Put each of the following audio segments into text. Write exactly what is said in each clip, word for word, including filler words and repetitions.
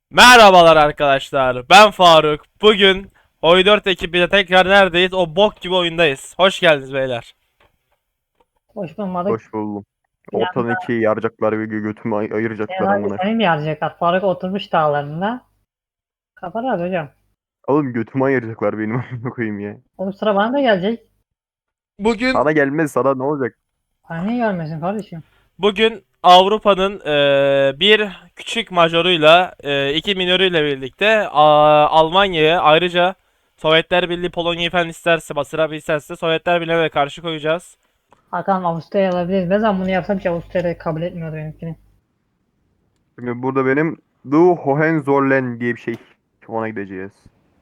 Merhabalar arkadaşlar. Ben Faruk. Bugün Oy dört ekibiyle tekrar neredeyiz? O bok gibi oyundayız. Hoş geldiniz beyler. Hoş bulmadık. Hoş Bir buldum. Ortadan anda ikiye yaracaklar ve gö- götümü ay- ayıracaklar herhalde amına. seni mi yazacaklar? Faruk oturmuş dağlarında. Kaparız hocam. Oğlum götümü ayıracaklar benim amına koyayım ya. Oğlum sıra bana da gelecek. Bugün Sana gelmez, sana ne olacak? Bana niye gelmesin kardeşim? bugün Avrupa'nın eee, bir küçük majoruyla eee, iki minörüyle birlikte a- Almanya'ya, ayrıca Sovyetler Birliği Polonya'yı falan isterse, basıra bir isterse Sovyetler Birliği'ne de karşı koyacağız. Hakan Avusturya'ya alabiliriz. Ne zaman bunu yapsam ki Avusturya kabul etmiyordu benimkini. Şimdi burada benim The Hohenzollern diye bir şey. Ona gideceğiz.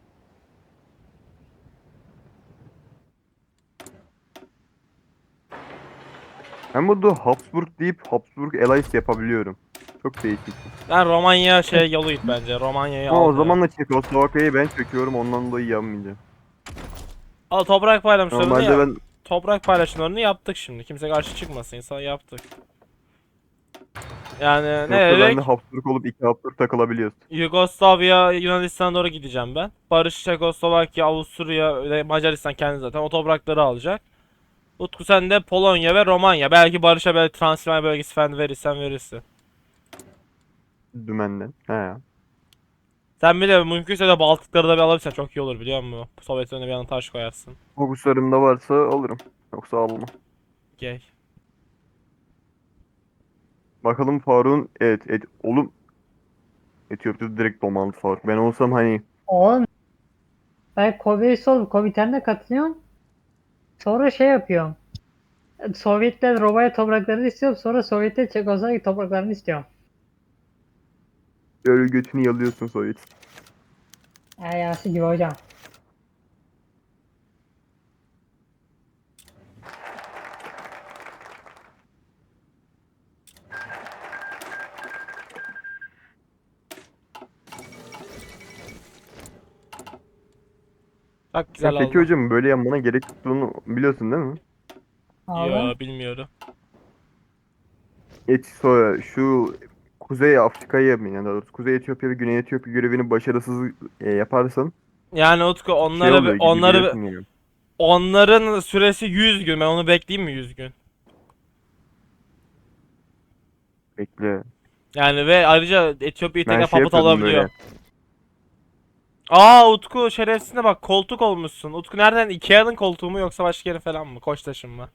Ben burada Habsburg deyip Habsburg Alliance yapabiliyorum. Çok değişik. Ben Romanya şey yolu git bence. Romanya'yı Ama al o ya. zaman da Çekoslovakya'yı ben çöküyorum, ondan dolayı yapmayacağım. Al toprak paylaşımlarını Normalde ya. ben Toprak paylaşımlarını yaptık şimdi. Kimse karşı çıkmasın. İnsan yaptık. Yani ne yoksa ben de dedik? Habsburg olup iki Habsburg takılabiliyoruz. Yugoslavya, Yunanistan'a doğru gideceğim ben. Barış, Çekoslovakya, Avusturya ve Macaristan kendi zaten o toprakları alacak. Utku sen de Polonya ve Romanya. Belki Barış'a böyle Transilvanya bölgesi falan verirsen verirsin. Dümenden. He. Sen bir de mümkünse de Baltıkları da bir alabilirsen çok iyi olur biliyor musun? Sovyet önüne bir yana taş koyarsın. Fokuslarımda varsa alırım. Yoksa almam. Gay. Bakalım Faruk'un evet, evet oğlum Etiyopya'da direkt domaldı Faruk. Ben olsam hani Oğlum ben Kobe'yi sol komitenine katılıyorum. Sonra şey yapıyorum. Sovyetler Romanya topraklarını istiyorum. Sonra Sovyetler Çekoslovakya topraklarını istiyorum. böyle götünü yalıyorsun Sovyet. Ayası gibi hocam. Çok Sen güzel peki oldu. hocam böyle yapmana gerek tuttuğunu biliyorsun değil mi? Abi. Yo bilmiyorum. Et sonra şu Kuzey Afrika'yı yani daha doğrusu Kuzey Etiyopya ve Güney Etiyopya görevini başarısız e, yaparsan Yani Utku şey onları oluyor gibi onları biliyorsun yani. onların süresi yüz gün. Ben onu bekleyeyim mi yüz gün? Bekle. Yani ve ayrıca Etiyopya'yı Ben tekrar şey papıt yapıyordum alabiliyor. böyle. Aa Utku şerefsizine bak koltuk olmuşsun. Utku nereden? Ikea'nın koltuğu mu yoksa başka yerin falan mı? Koçtaş'ın mı?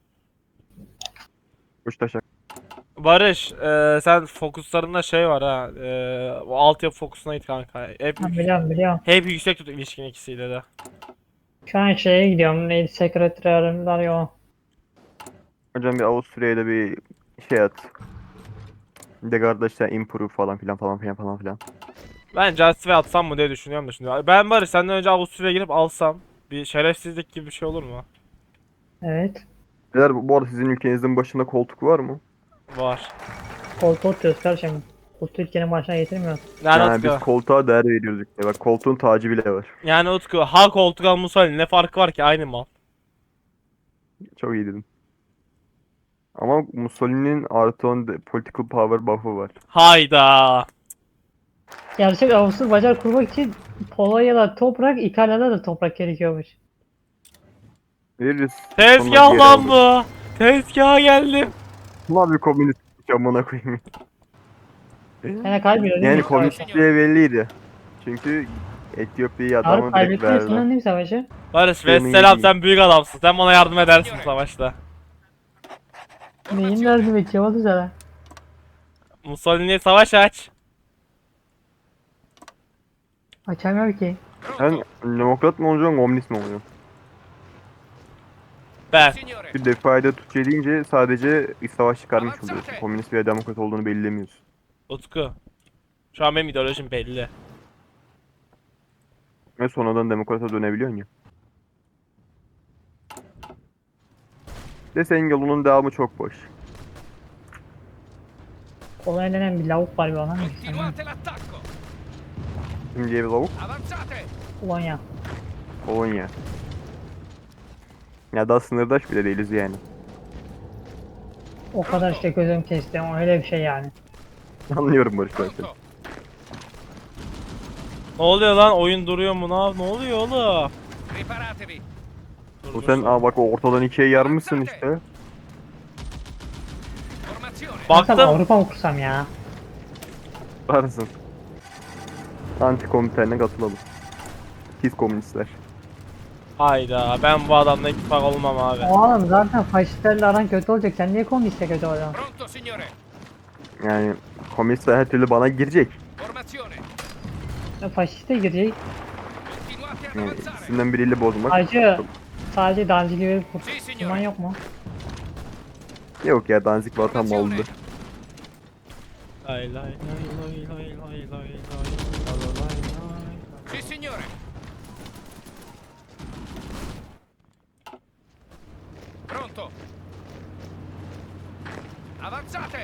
Kuştaşak. Barış, e, sen fokuslarında şey var ha. E, o altyapı fokusuna git kanka. Hep Ha, yük- biliyorum biliyorum. hep yüksek tut ilişkin ikisiyle de. Şu an şeye gidiyorum. Neydi? Sekreterler ya. Hocam bir Avusturya'ya da bir şey at. De kardeşler improve falan filan falan filan falan filan. Ben Justice'e atsam mı diye düşünüyorum da şimdi. Ben Barış senden önce Avusturya'ya girip alsam bir şerefsizlik gibi bir şey olur mu? Evet. Beyler bu bu arada sizin ülkenizin başında koltuk var mı? Var. Koltuğu oturuyoruz kardeşim. Bu Türkiye'nin başına getirmiyoruz. Yani Yani biz Utku. koltuğa değer veriyoruz işte. Bak koltuğun tacı bile var. Yani Utku. Ha koltuk al Mussolini ne farkı var ki aynı mal. Çok iyi dedim. Ama Mussolini'nin artı on de- political power buff'ı var. Hayda. Gerçek Avusturya bacar kurmak için Polonya'da toprak, İtalya'da da toprak gerekiyormuş. Veririz. Sonra Tezgah geri lan alırız. bu. Tezgaha geldim. Ulan bir komünist amına koyayım. Yani kaybediyor değil mi Yani ilk savaşı? komünistliğe belliydi. Çünkü Etiyopya'yı Harbi adamı direkt kaybettiği verdi. sanırım değil mi savaşı? Barış ve Sığını selam yedi. sen büyük adamsın. Sen bana yardım edersin savaşta. Neyin lazım bekliyor oldu sana. Mussolini'ye savaş aç. Açamıyorum ki. Sen demokrat mı olacaksın, komünist mi olacaksın? Ben. Bir defayda Türkçe deyince sadece iç savaş çıkarmış oluyorsun. Komünist veya demokrat olduğunu belirlemiyorsun. Utku. Şu an benim ideolojim belli. Ve sonradan demokrata dönebiliyorsun ya. De senin yolunun devamı çok boş. Kolay denen bir lavuk var bir ona. Continuate l'attacco! Şimdi ev lavuk, Avanzate! Polonya. Polonya. Ya daha sınırdaş bile değiliz yani. O kadar işte gözüm kesti. Öyle bir şey yani. Anlıyorum Barış ben seni. Pronto! Ne oluyor lan? Oyun duruyor mu? Ne, ne oluyor oğlum? Preparatevi. Dur, Bu dur, sen sen- aa bak o ortadan ikiye yarmışsın işte. Formazione. Baktım. Baktım. Avrupa mı kursam ya? Varsın. Antikomiterine katılalım. Pis komünistler. Hayda, ben bu adamla ittifak olmam abi. Oğlum zaten faşistlerle aran kötü olacak. Sen niye komüniste kötü olacaksın? Pronto, signore. Yani komünistler her türlü bana girecek. Formazione. Ya faşiste girecek. Continuate ad Yani avanzare. ikisinden biriyle bozmak. Sadece, sadece Danzig gibi Sì, kurtulman signore. yok mu? Yok ya Danzig vatan Formazione. oldu. Lay lay lay lay lay lay lay lay lay lay lay. Sì, signore. Pronto. Avanzate.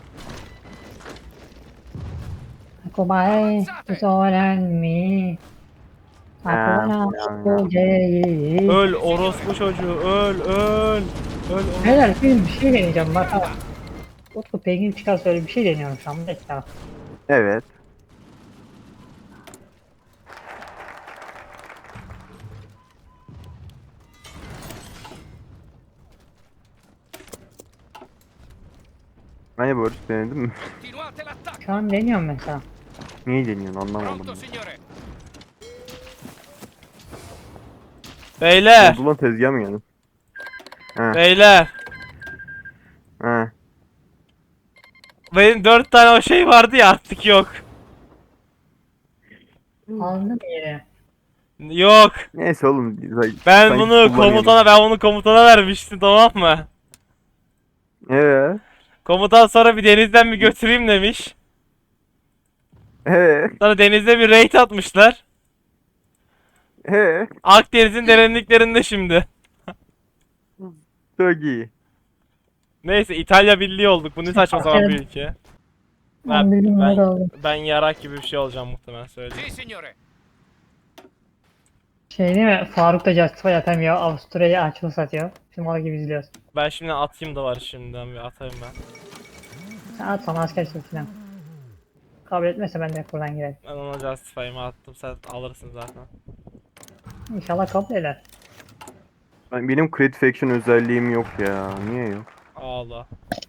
Kumae, kusoran mi. Akuna kujeyi. Öl orospu çocuğu, öl öl. Öl öl. Beyler bir bir şey deneyeceğim bak ha. Utku Pengin çıkar söyle bir şey deniyorum şu an. Bekle bak. Evet. Hani Barış denedin mi? Continuate l'attacco. Şu an deniyorum mesela. Niye deniyorsun anlamadım. Pronto, signore. Beyler, Oldu lan tezgah mı yani? He beyler. he. Benim dört tane o şey vardı ya artık yok. Aldım yeri. Yok. Neyse oğlum. Ben sanki bunu kullanıyorum. komutana, ben bunu komutana vermiştim, tamam mı? Ee, Komutan sonra bir denizden bir götüreyim demiş. ee, Sonra denizde bir raid atmışlar. ee. Akdeniz'in derinliklerinde şimdi. Çok iyi. Neyse, İtalya Birliği olduk. Bu ne saçma sapan bir ülke. Ben Ben, bildim ben, ne oldu. ben yarak gibi bir şey olacağım muhtemelen, söyleyeyim. Sì, signore. Şey değil mi? Faruk da Justify atamıyor. Avusturya'ya açılı satıyor. Şimdi mal gibi izliyoruz. Ben şimdi atayım da var, şimdiden bir atayım ben. Sen at sana asker çık falan. Kabul etmezse ben de buradan girerim. Ben ona Justify'ımı attım, sen alırsın zaten. İnşallah kabul eder. Ben- Benim Crit Faction özelliğim yok ya. Niye yok? Ağla.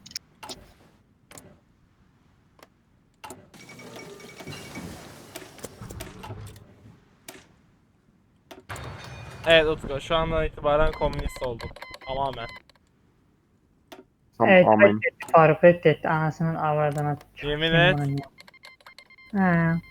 Evet Utku, şu andan itibaren komünist olduk. Tamamen. Tamam Evet amen. reddetti Faruk reddetti. Anasının avradına. Yemin Kim et. bunun ya? He.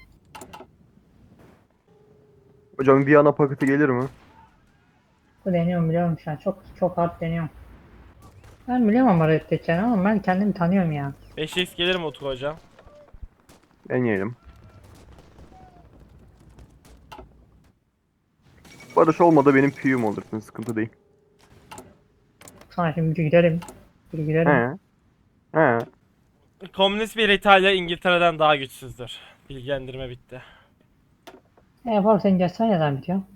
Hocam Viyana paketi gelir mi? Bu deniyorum biliyorum şu an. Çok çok hard deniyorum. Ben biliyorum ama reddedeceğini ama ben kendimi tanıyorum ya. beş x gelir mi Utku hocam? Deneyelim. Barış olmadı benim piyum olursun. Sıkıntı değil. Sana şimdi bir gidelim. Bir gidelim. He. He. Komünist bir İtalya İngiltere'den daha güçsüzdür. Bilgilendirme bitti. E yapalım senin Justify ne zaman bitiyor?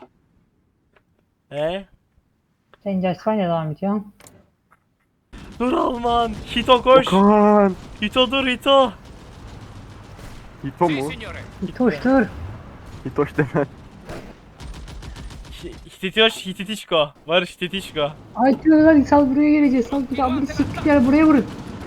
E? Senin Justify ne zaman bitiyor? Dur Alman! Hito koş! Okan! Hito dur Hito! Hito Sì, mu? signore. Hitoş dur. Hitoş denen. Hititoş Hititişko. Barış Hititişko. Ay diyorlar sal buraya geleceğiz. Sal buraya. Bunu siktir gel buraya vurun.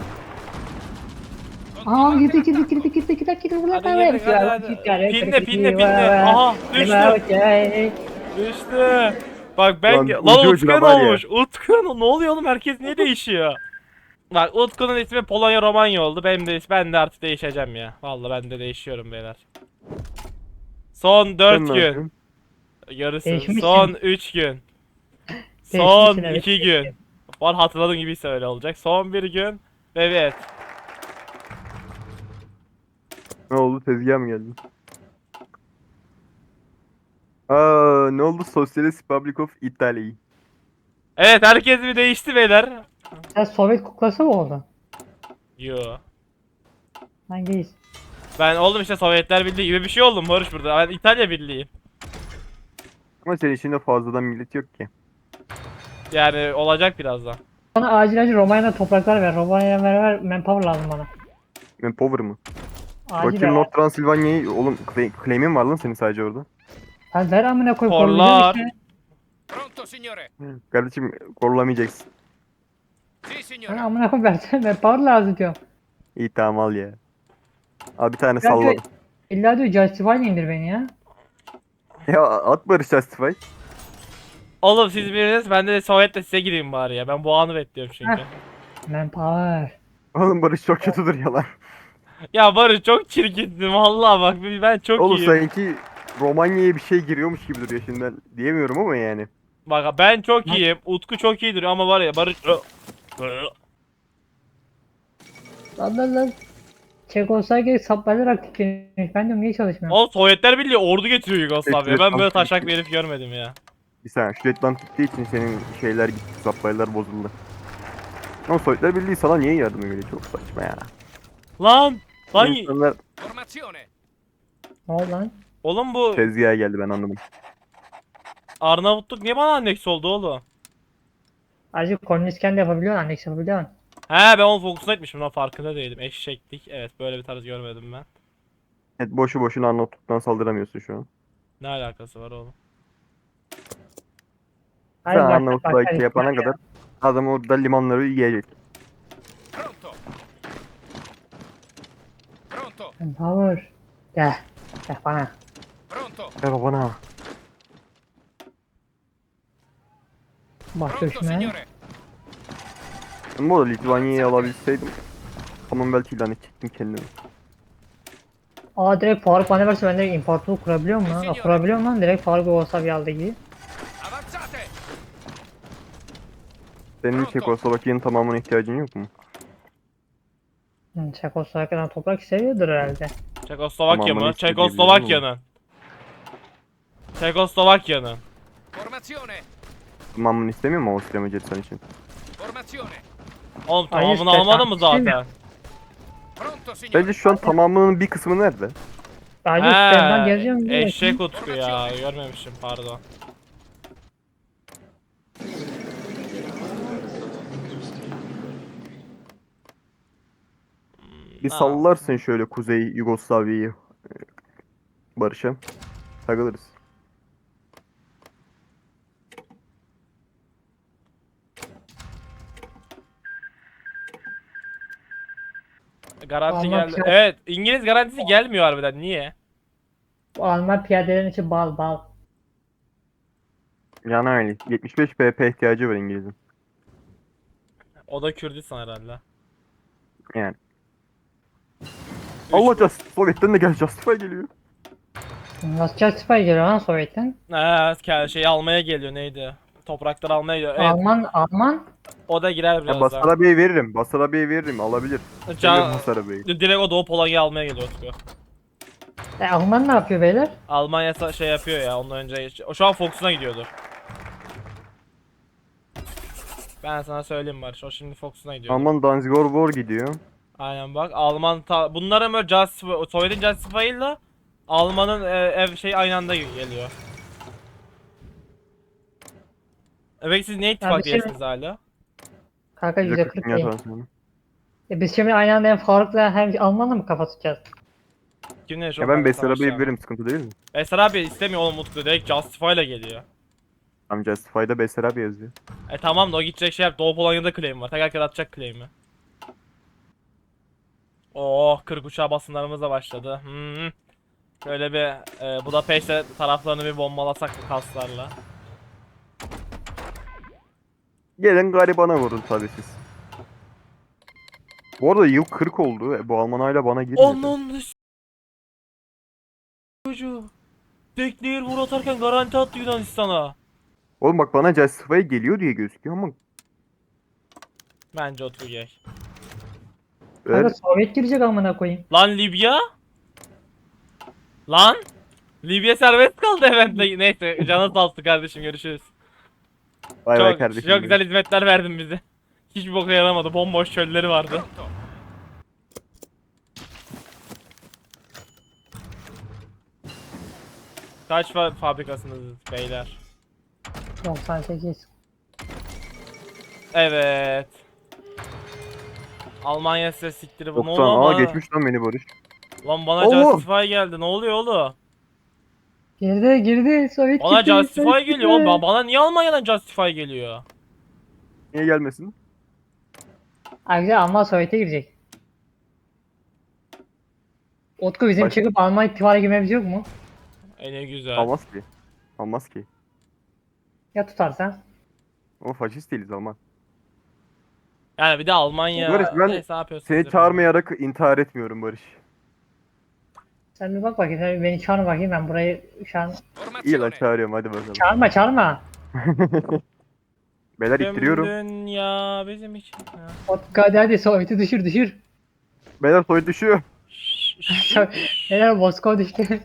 Aa girdi girdi girdi girdi girdi girdi buraya Hadi kadar girdik, yapıyor. hadi, hadi. Siktir gel, Pinle, girdi, pinle, girdi, pinle. vay, vay. Aha, düştü. Vay, vay. Düştü. Bak ben... Lan, Lan, ucu Utku ucuna ne var ya. olmuş? Utku ne oluyor oğlum? Herkes niye değişiyor? Bak Utku'nun ismi Polonya Romanya oldu. Benim de ben de artık değişeceğim ya. Vallahi ben de değişiyorum beyler. Son dört Sen ne gün. yapıyorsun? Yarısı. Değişmişsin. Son üç gün. Son Değişmişsin, evet. iki gün. Var hatırladığım gibi öyle olacak. Son bir gün. Evet. Ne oldu? Tezgah mı geldi? Aa, ne oldu? Socialist Republic of Italy. Evet, herkes bir değişti beyler. Sen Sovyet kuklası mı oldun? Yo. Hangiyiz? Ben oldum işte Sovyetler Birliği gibi bir şey oldum Barış burada. Ben İtalya Birliği. Ama senin içinde fazladan millet yok ki. Yani olacak birazdan. Bana acil acil Romanya'da topraklar ver. Romanya'ya ver ver. Manpower lazım bana. Ben power mı? Acil Bakayım ver. North Transilvanya'yı oğlum claim- claim'in var lan senin sadece orada. Sen ver amına koy. Korlar. koruyacağım işte. Pronto, signore. Kardeşim korulamayacaksın. Sì, Ben signore. amına koy versene. Ben power lazım diyorum. İyi tamam al ya. Al bir tane Ya diyor, salladım. illa diyor Justify indir beni ya. Ya at Barış Justify. Oğlum siz biriniz ben de Sovyet'le size gireyim bari ya. Ben bu anı bekliyorum çünkü. Heh. Ben power. Oğlum Barış çok kötü duruyor lan. Ya Barış çok çirkinsin vallahi bak ben çok Oğlum iyiyim. sanki Romanya'ya bir şey giriyormuş gibi duruyor şimdi ben diyemiyorum ama yani. Bak ben çok iyiyim. Utku çok iyi duruyor ama var ya Barış... Lan lan lan. Çekoslovakya saplarlar aktiflemiş. Ben diyorum niye çalışmıyor? Oğlum Sovyetler Birliği ordu getiriyor Yugoslavya'ya. Ben böyle Evet, taşak bir herif görmedim ya. Bir saniye şu reklam gittiği için senin şeyler gitti, supply'lar bozuldu. Ama Sovyetler Birliği sana niye yardım ediyor? Çok saçma ya. Lan! Lan! İnsanlar Formazione. Ne oldu lan? Oğlum bu tezgaha geldi ben anladım. Arnavutluk niye bana anneks oldu oğlum? Acı komünistken de yapabiliyorsun, anneks yapabiliyorsun. He ben onu fokusuna etmişim lan farkında değilim. Eşeklik. Evet böyle bir tarz görmedim ben. Evet boşu boşuna Arnavutluk'tan saldıramıyorsun şu an. Ne alakası var oğlum? Hadi Sen bak- Arnavutluğa bak- şey yapana bak ya. kadar adam orada limanları yiyecek. Pronto. Pronto. Ben power. Gel. Gel bana. Pronto. Ver bana. Bak Pronto, göçme. signore. Ben bu arada Litvanya'yı alabilseydim Commonwealth ilan edecektim kendimi. Aa direkt Faruk bana verse ben direkt imparatorluk kurabiliyor muyum lan? Aa, kurabiliyor muyum lan? Direkt Faruk Yugoslavya aldı gibi. Avanzate. Senin Çekoslovakya'nın tamamına ihtiyacın yok mu? Hmm, Çekoslovakya'dan toprak seviyordur herhalde. Çekoslovakya Tamam, mı? ben istediğim Çekoslovakya'nın. Çekoslovakya'nın. Formazione. Tamamını istemiyor mu Avusturya Macaristan için? Formazione. Oğlum Hayır, tamamını işte almadın mı tam- zaten? Pronto, signore. Bence şu an tamamının bir kısmı nerede? Bence üstlerinden He, geleceğim diye. eşek Utku ya görmemişim pardon. Bir Ha. sallarsın şöyle Kuzey Yugoslavya'yı e, Barış'a. Takılırız. Garanti Alman geldi. piyade- Evet İngiliz garantisi gelmiyor harbiden niye? Bu Alman piyadelerin için bal bal. Yani öyle. yetmiş beş B P ihtiyacı var İngiliz'in. O da Kürdistan herhalde. Yani. Allah Just Sovyet'ten de gel Justify geliyor. Nasıl Justify geliyor lan Sovyet'ten? Eee şey almaya geliyor neydi? Toprakları almaya geliyor. Evet Alman, Alman. o da girer Ya birazdan. Basarabia'yı veririm. Basarabia'yı veririm. Alabilir. Can... Can... Basarabia'yı. Direkt o Doğu Polonya'yı almaya geliyor Utku. E, Alman ne yapıyor beyler? Almanya sa- şey yapıyor ya ondan önce. O şu an Fox'una gidiyordur. Ben sana söyleyeyim Barış. O şimdi Fox'una gidiyor. Alman Danzigor War gidiyor. Aynen bak Alman ta bunların böyle Justify, Sovyet'in Justify'ıyla Alman'ın e, ev şey aynı anda geliyor. Evet siz ne ittifak bir şey- değilsiniz hala? Kanka yüzde kırk Dünya değil. transferi. E biz şimdi aynı anda hem Faruk'la hem Alman'la mı kafa tutacağız? Kimle Ya ben Basarabia'yı veririm. Sıkıntı değil mi? Eser abi istemiyor oğlum Utku direkt Justify'la geliyor. Tam Justify'da Basarabia yazıyor. E tamam da o gidecek şey yap. Doğu Polonya'da claim var. Teker atacak claim'i. Oh kırk uçağı basınlarımız da başladı. Hmm. Şöyle bir e, Budapeşte taraflarını bir bombalasak bu kaslarla. Gelin garibana vurun tabii siz. Bu arada yıl kırk oldu. E, Bu Alman hala bana girmedi. Onun çocuğu. Teknehir vur atarken garanti attı Yunanistan'a. Oğlum bak bana Justify geliyor diye gözüküyor ama Bence Utku gay. ver. Kanka Sovyet girecek amına koyayım. Lan Libya? Lan? Libya serbest kaldı eventle. Neyse canı sağ olsun kardeşim görüşürüz. Vay vay Çok, kardeşim. çok güzel hizmetler verdin bize. Hiçbir boka yaramadı. Bomboş çölleri vardı. Pronto. Kaç fa fabrikasınız beyler? doksan sekiz. Evet. Almanya size siktiri bunu doksan. ama. Aa geçmiş lan beni Barış. Lan bana Allah! Justify geldi. Ne oluyor oğlum? Girdi girdi Sovyet Bana gitti, Justify Sovyet geliyor. Oğlum, gitti. ba- bana niye Almanya'dan Justify geliyor? Niye gelmesin? Ayrıca Alman Sovyet'e girecek. Utku bizim Baş- çıkıp Alman ittifaka girmemiz yok mu? E ne güzel. Almaz ki. Almaz ki. Ya tutarsan? Ama faşist değiliz Alman. Yani bir de Almanya. Barış, ben Neyse ne yapıyorsunuz? Seni yapın. çağırmayarak intihar etmiyorum Barış. Sen bir bak bakayım, sen beni çağır bakayım, ben burayı şu an... İyi lan Formazione. çağırıyorum hadi bakalım. Çağırma çağırma. Beyler Tüm ittiriyorum. dünya bizim için. Ha. Utku hadi hadi Sovyet'i düşür düşür. Beyler soy düşüyor. Neler Moskova düştü.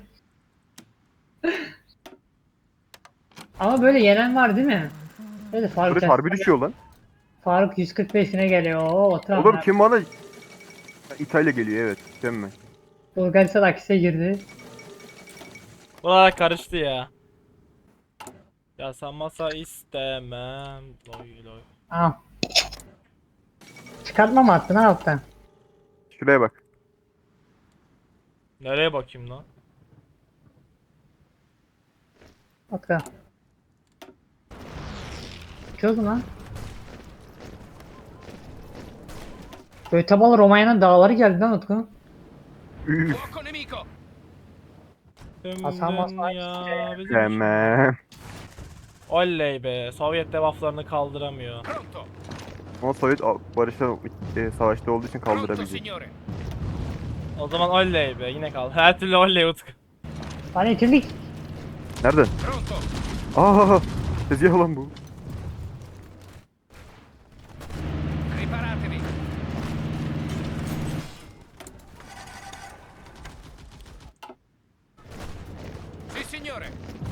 Ama böyle yenen var değil mi? Böyle Faruk, Barış harbi düşüyor lan. Faruk yüz kırk beşine geliyor. Oo, otur Oğlum ama. kim bana... İtalya geliyor evet. Sen mi? Bulgaristan akise girdi. Buralar karıştı ya. Yasamasa istemem. Loy loy. Aa. Çıkartma mı attın ha alttan? Şuraya bak. Nereye bakayım lan? Utku. Çok lan. Göteborg Romanya'nın dağları geldi lan Utku. Üf. Fuoco nemico. Tüm Hasan Basri dünya bizim için. Tamam. Oley be. Sovyet devaflarını kaldıramıyor. Pronto. Ama Sovyet barışta e, savaşta olduğu için Pronto, kaldırabilecek. signore. O zaman oley be. Yine kal. Her türlü oley Utku. Hani itildik. Nereden? Pronto. Aa, tezgah lan bu. Preparatevi. Sì, signore.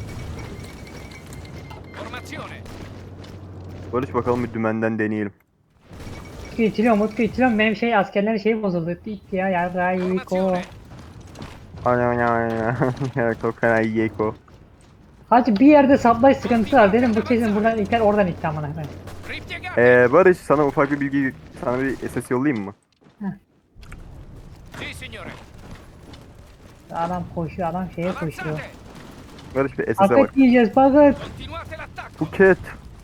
Formazione. Barış bakalım bir dümenden deneyelim. Utku itiliyorum Utku itiliyorum. Benim şey askerlerin şeyi bozuldu. İtti ya yarrayiko. Formazione. Ana ana ana. Çok fena yeko. Hacı bir yerde supply sıkıntısı var. Dedim bu kesin buradan iter oradan itti amına koyayım. Ripiegate. Ee, Barış sana ufak bir bilgi, sana bir S S yollayayım mı? Sì, signore. Adam koşuyor, adam şeye koşuyor. Avanzate. Barış bir S S'e bak. Paket yiyeceğiz paket. Continuate l'attacco. Buket.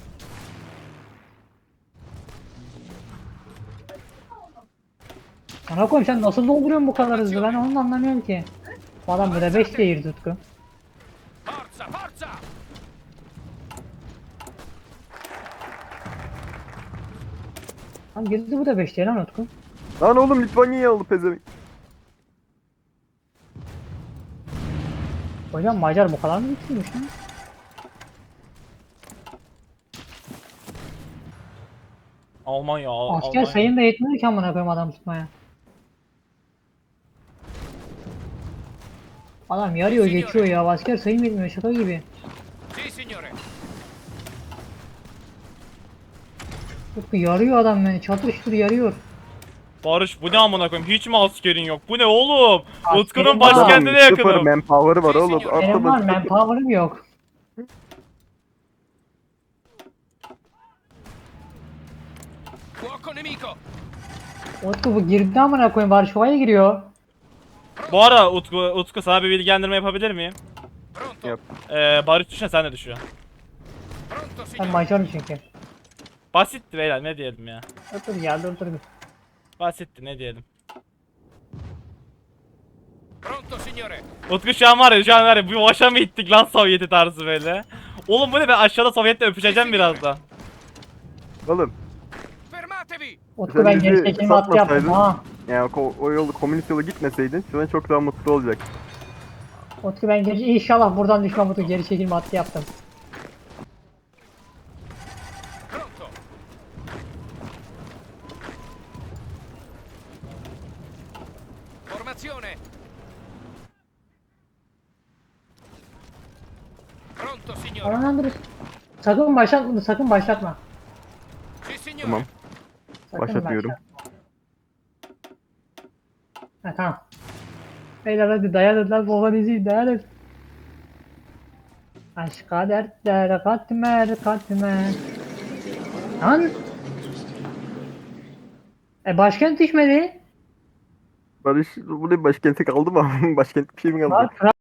Ana koyayım sen nasıl dolduruyorsun bu kadar hızlı, ben onu da anlamıyorum ki. Bu adam burada beş değil Tutku. Forza, forza. Lan girdi bu da beş değil lan Utku. Lan oğlum Litvanya'yı aldı pezevenk. Hocam Macar bu kadar mı güçlüymüş lan? Almanya. Al- Asker Almanya. sayım da yetmiyor ki amına koyayım adam tutmaya. Adam yarıyor geçiyor ya, asker sayım yetmiyor şaka gibi. Sì, signore. Utku yarıyor adam beni, çatıştır yarıyor. Barış bu ne amına koyayım? Hiç mi askerin yok? Bu ne oğlum? Askerim Utku'nun var. başkentine Adam sıfır yakınım. manpower'ı var oğlum. Benim var, Atladı. manpower'ım yok. Fuoco nemico. Utku bu girdi amına koyayım, Varşova'ya giriyor. Bu ara Utku, Utku sana bir bilgilendirme yapabilir miyim? Pronto. Yap. Ee, Barış düşen sen de düşüyor. Pronto, Ben signore. Macar'ım çünkü. Basitti beyler ne diyelim ya. Dur dur ya dur dur. bir. Basitti ne diyelim. Pronto, signore. Utku şu an var ya şu an var ya bu başa mı ittik lan Sovyeti tarzı böyle. Oğlum bu ne, ben aşağıda Sovyet'le öpüşeceğim birazdan. Oğlum. Fermatevi. Utku Sen ben bizi geri çekilme hattı yaptım satmasaydın- ha. Yani o, o yolu komünist yolu gitmeseydin şu an çok daha mutlu olacak. Utku ben geri inşallah buradan düşmem Utku, geri çekilme hattı yaptım. Pronto. Formazione. Pronto, signore. Aman dur. Sakın başlatma, sakın başlatma. Sì, signore. Tamam. Sakın Başlatmıyorum. başlatma. Ha tamam. Beyler hadi dayanın lan, babanızı dayanın. Aşka dertler katmer katmer. Lan. E başkent düşmedi. Barış bu ne başkente kaldı mı? Başkent bir şey mi kaldı? Lan Fra-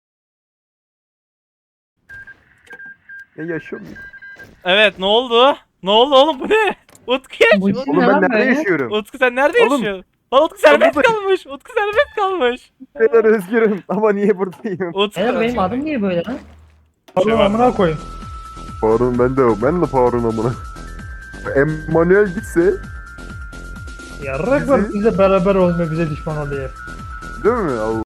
Ya yaşıyor muyum? Evet ne oldu? Ne oldu oğlum bu ne? Utku geç. Bu Ut- işin Oğlum ne ben lan nerede böyle? yaşıyorum? Utku sen nerede Oğlum, yaşıyorsun? Lan Utku serbest buradayım. kalmış. Utku serbest kalmış. Beyler özgürüm ama niye buradayım? Utku. Beyler benim adım niye böyle lan? Şey var. amına koyayım. Farun ben de ben de Farun amına. Emmanuel gitse Yarrak var bize beraber olmuyor bize düşman oluyor. değil mi? Allah.